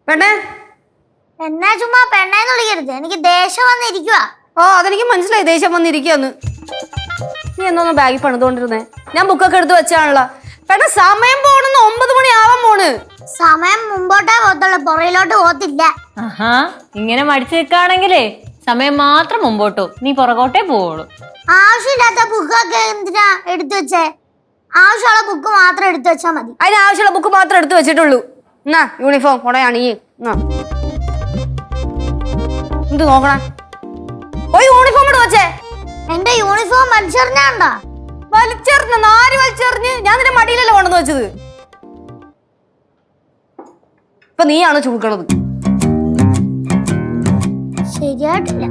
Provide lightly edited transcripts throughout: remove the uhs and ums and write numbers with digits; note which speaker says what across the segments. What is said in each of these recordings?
Speaker 1: പെണ്ണേ
Speaker 2: എന്നാ ചുമ്മാ പെണ്ണേന്ന് വിളിക്കരുത്, എനിക്ക് ദേഷ്യം വന്നിരിക്കുക.
Speaker 1: ഓ അതെനിക്ക് മനസ്സിലായി, ദേഷ്യം വന്നിരിക്കുന്നു. നീ എന്നൊന്ന് ബാഗിൽ പണിതുകൊണ്ടിരുന്നേ? ഞാൻ ബുക്കൊക്കെ എടുത്ത് വെച്ചാണല്ലോ. പെണ്ണ സമയം പോണെന്ന് 9 മണി ആവാൻ പോണ്.
Speaker 2: സമയം മുമ്പോട്ടേ പോകത്തുള്ളൂ, പുറയിലോട്ട് പോകത്തില്ല.
Speaker 3: ആഹാ, ഇങ്ങനെ മടിച്ചു നിൽക്കുകയാണെങ്കിലേ സമയം മാത്രം മുമ്പോട്ടു, നീ പുറകോട്ടേ പോവുള്ളൂ.
Speaker 2: ആവശ്യമില്ലാത്ത ബുക്കൊക്കെ എന്തിനാ എടുത്തു വെച്ചേ? ആവശ്യമുള്ള ബുക്ക് മാത്രം എടുത്തു വെച്ചാ മതി.
Speaker 1: അതിന് ആവശ്യമുള്ള ബുക്ക് മാത്രം എടുത്തു വെച്ചിട്ടുള്ളൂ. എന്നാ യൂണിഫോം കൊടയാണ് ഈ എന്ത് നോക്കണേ? പോയി യൂണിഫോം എടുത്ത് വെച്ചേ.
Speaker 2: എന്റെ യൂണിഫോം വലിച്ചെറിഞ്ഞാണ്ടാ?
Speaker 1: വലിച്ചെറിഞ്ഞ നാല് വലിച്ചെറിഞ്ഞ് ഞാൻ നിന്റെ മടിയിലല്ലേ കൊണ്ടുവന്ന് വെച്ചത്. ഇപ്പൊ നീയാണ് ചുമക്കണത്.
Speaker 2: ശരിയായിട്ടില്ല.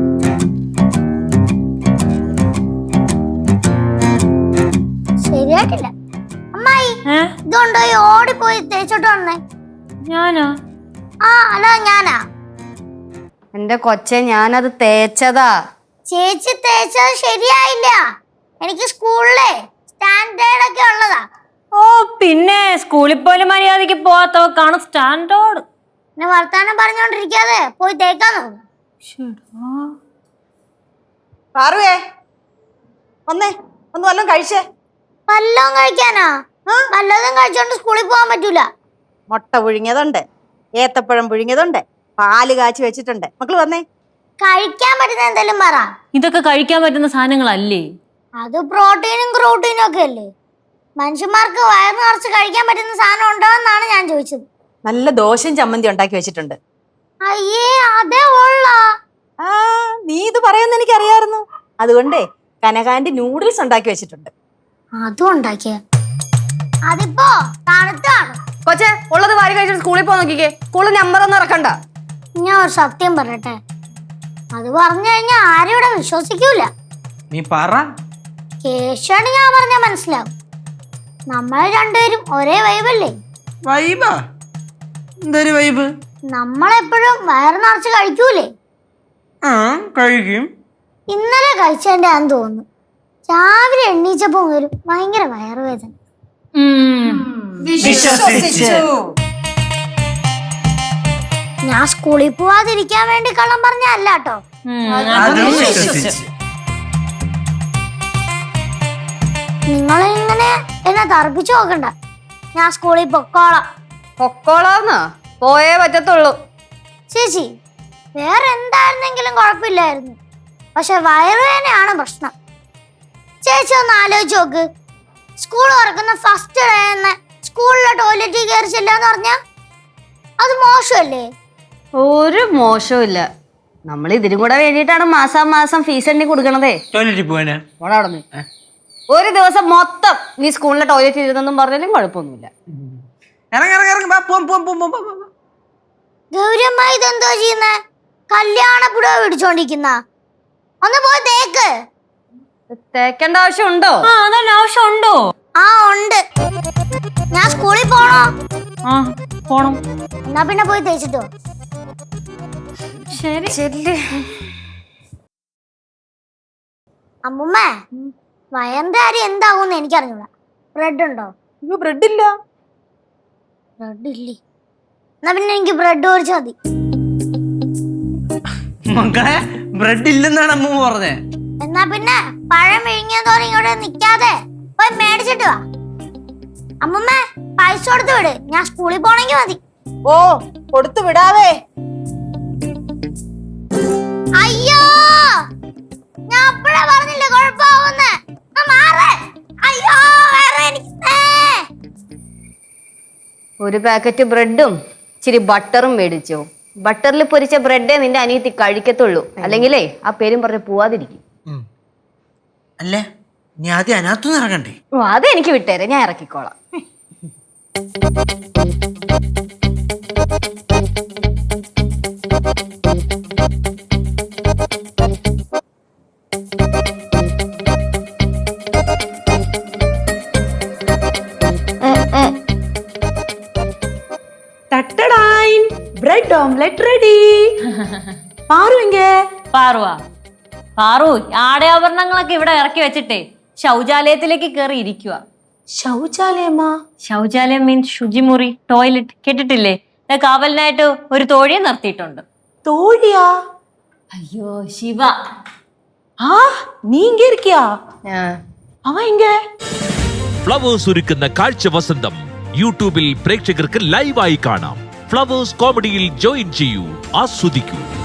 Speaker 2: ശരിയായിട്ടില്ല. അമ്മായി ഇതുകൊണ്ടോ ഓടിപ്പോയി തേച്ചോട്ട് വന്നേ.
Speaker 3: ഞാനോ?
Speaker 2: ആ അല്ല ഞാനാ.
Speaker 1: എന്റെ കൊച്ചെ ഞാനത് തേച്ചതാ.
Speaker 2: ചേച്ചി തേച്ചത് ശരിയായില്ല. എനിക്ക് സ്കൂളിലെ സ്റ്റാൻഡേർഡ് ഒക്കെ ഉള്ളതാ.
Speaker 3: ഓ പിന്നെ സ്കൂളിൽ പോലും മര്യാദക്ക് പോവാത്തവക്കാണ് സ്റ്റാൻഡേർഡ്.
Speaker 2: പിന്നെ വർത്താനം പറഞ്ഞോണ്ടിരിക്കാതെ പോയി തേക്കാൻ നോക്കും.
Speaker 4: പാറുവേ വന്നേ, ഒന്ന് വല്ലതും കഴിച്ചേ.
Speaker 2: വല്ലതും കഴിക്കാനാ? വല്ലതും കഴിച്ചോണ്ട് സ്കൂളിൽ പോകാൻ പറ്റൂല.
Speaker 4: മുട്ട പുഴുങ്ങിയതുണ്ട്, ഏത്തപ്പഴം പുഴുങ്ങിയതുണ്ട്, പാല് കാച്ചി വെച്ചിട്ടുണ്ട്. മക്കള് വന്നേ.
Speaker 2: കഴിക്കാൻ പറ്റുന്ന എന്തെങ്കിലും പറ.
Speaker 3: ഇതൊക്കെ കഴിക്കാൻ പറ്റുന്ന സാധനങ്ങളല്ലേ?
Speaker 2: അത് പ്രോട്ടീനും ക്രോട്ടീനും ഒക്കെ അല്ലേ. മനുഷ്യന്മാർക്ക് വയറ് നിറച്ച് കഴിക്കാൻ പറ്റുന്ന സാധനം ഉണ്ടോ എന്നാണ് ഞാൻ ചോദിച്ചത്.
Speaker 4: നല്ല ദോശയും ചമ്മന്തി ഉണ്ടാക്കി വെച്ചിട്ടുണ്ട്.
Speaker 2: അയ്യേ അതേ ഉള്ള.
Speaker 4: ആ നീ ഇത് പറയുന്ന എനിക്ക് അറിയായിരുന്നു. അതുകൊണ്ടേ കനകാന്റെ നൂഡിൽസ് ഉണ്ടാക്കി വെച്ചിട്ടുണ്ട്.
Speaker 2: അതും ഉണ്ടാക്കിയ അതിപ്പോ തണുത്താണ്.
Speaker 1: കൊച്ചെ ഉള്ളത് വാരി കഴിച്ചിട്ട് സ്കൂളിൽ പോകാൻ നോക്കിക്കേ. സ്കൂളിൽ നമ്പർ ഒന്നും ഇറക്കണ്ട.
Speaker 2: ഞാൻ ഒരു സത്യം പറയട്ടെ, അത് പറഞ്ഞു കഴിഞ്ഞാ ആരും ഇവിടെ വിശ്വസിക്കൂല.
Speaker 5: നീ പറ.
Speaker 2: കേശാണ് ഞാൻ പറഞ്ഞാ മനസ്സിലാവും. നമ്മൾ രണ്ടുപേരും ഒരേ വൈബല്ലേ?
Speaker 5: വൈബാ? എന്തൊരു വൈബ്?
Speaker 2: നമ്മളെപ്പോഴും വയറ് നിറച്ച് കഴിക്കൂലേ?
Speaker 5: ആ കഴിക്കും.
Speaker 2: ഇന്നലെ കഴിച്ചേണ്ടാന്ന് തോന്നുന്നു. രാവിലെ എണ്ണീച്ചപ്പോ വരും ഭയങ്കര വയറുവേദന. ഞാൻ സ്കൂളിൽ പോവാതിരിക്കാൻ വേണ്ടി കള്ളം പറഞ്ഞല്ല കേട്ടോ. നിങ്ങൾ ഇങ്ങനെ എന്നെ തറപ്പിച്ചു നോക്കണ്ട. ഞാൻ സ്കൂളിൽ പൊക്കോളാം.
Speaker 1: പൊക്കോളാന്ന് പോയേ പറ്റത്തുള്ളൂ.
Speaker 2: ചേച്ചി വേറെ എന്തായിരുന്നെങ്കിലും കുഴപ്പമില്ലായിരുന്നു, പക്ഷെ വയറുവേദനയാണ് പ്രശ്നം. ചേച്ചി ഒന്ന് ആലോചിച്ച് നോക്ക്. സ്കൂൾ തുറക്കുന്ന ഫസ്റ്റ് ഡേ തന്നെ സ്കൂളിലെ ടോയ്ലറ്റിൽ കയറി ചെല്ലാന്ന് പറഞ്ഞാ അത് മോശമല്ലേ?
Speaker 1: ഒരു മോശവും ഇല്ല. നമ്മൾ ഇതിനും കൂടെ വേണ്ടിയിട്ടാണ് മാസം ഫീസ് എണ്ണി കൊടുക്കണതേ.
Speaker 5: ടോയ്ലറ്റിൽ പോവാനാ?
Speaker 1: ഒരു ദിവസം മൊത്തം നീ സ്കൂളിലെ ടോയ്ലറ്റിൽ ഇരുന്നെന്നും പറഞ്ഞാലും കുഴപ്പമൊന്നുമില്ല.
Speaker 2: ഗൗരമ്മ ഇതെന്തോ ചെയ്യുന്നേ? കല്യാണ പുടവ പിടിച്ചോണ്ടിരിക്കുന്ന ഒന്ന് പോയി തേക്ക്.
Speaker 1: തേക്കേണ്ട ആവശ്യമുണ്ടോ?
Speaker 3: ആവശ്യമുണ്ടോ?
Speaker 2: ആ ഉണ്ട്. ഞാൻ സ്കൂളിൽ പോണോ?
Speaker 3: ആ പോണം.
Speaker 2: എന്നാ പിന്നെ പോയി തേച്ചിട്ടോ.
Speaker 3: ശരി.
Speaker 2: അമ്മുമ്മേ വയറിന്റെ കാര്യം എന്താകുമെന്ന് എനിക്കറിഞ്ഞൂടാ. ബ്രെഡ് ഉണ്ടോ?
Speaker 4: ബ്രെഡ് ഇല്ല.
Speaker 2: ബ്രെഡ് ഇല്ലേ? എന്നാ പിന്നെ എനിക്ക് ബ്രെഡ് പൊരിച്ചാ മതി.
Speaker 5: മക്കളെ ബ്രെഡ് ഇല്ലെന്നാണ് അമ്മ പറഞ്ഞേ.
Speaker 2: എന്നാ പിന്നെ പഴം വിഴുങ്ങിയതോടെ ഇങ്ങോട്ട് നിക്കാതെ പോയി മേടിച്ചിട്ട് വാ. അമ്മുമ്മേ പൈസ കൊടുത്ത് വിട്, ഞാൻ സ്കൂളിൽ പോണെങ്കി മതി.
Speaker 4: ഓ കൊടുത്തു വിടാവേ.
Speaker 2: അയ്യോ ഞാൻ അപ്പഴേ പറഞ്ഞില്ലേ കുഴപ്പമാവുന്നേ. അയ്യോ വേറെ എനിക്ക്
Speaker 1: ഒരു പാക്കറ്റ് ബ്രെഡും ഇച്ചിരി ബട്ടറും മേടിച്ചോ. ബട്ടറിൽ പൊരിച്ച ബ്രെഡേ നിന്റെ അനിയത്തി കഴിക്കത്തുള്ളൂ. അല്ലെങ്കിലേ ആ പേരും പറഞ്ഞ് പോവാതിരിക്കും.
Speaker 5: അല്ല നീ ആദ്യം അതിനകത്തുനിന്ന് ഇറങ്ങണ്ടേ?
Speaker 1: ഓ അതെനിക്ക് വിട്ടേരെ, ഞാൻ ഇറക്കിക്കോളാം.
Speaker 6: Bread omelette ready. പാറു എങ്കേ?
Speaker 3: പാറു ആടയാഭരണങ്ങളൊക്കെ ഇവിടെ ഇറക്കി വെച്ചിട്ടേ ശൗചാലയത്തിലേക്ക് കയറി ഇരിക്കുക.
Speaker 6: ശൗചാലയമാ?
Speaker 3: ശൗചാലയം മീൻസ് ശുചിമുറി, ടോയ്ലറ്റ് കേട്ടിട്ടില്ലേ? കാവലിനായിട്ട് ഒരു തോഴിയെ നിർത്തിയിട്ടുണ്ട്.
Speaker 6: தோழியா?
Speaker 3: അയ്യോ ശിവ.
Speaker 6: ஆ நீ இங்க இருக்கியா? அவன் இங்க.
Speaker 7: ഫ്ലവേഴ്സ് ഒരുക്കുന്ന കാഴ്ച വസന്തം യൂട്യൂബിൽ പ്രേക്ഷകർക്ക് ലൈവായി കാണാം. ഫ്ലവേഴ്സ് കോമഡിയിൽ ജോയിൻ ചെയ്യൂ, ആസ്വദിക്കൂ.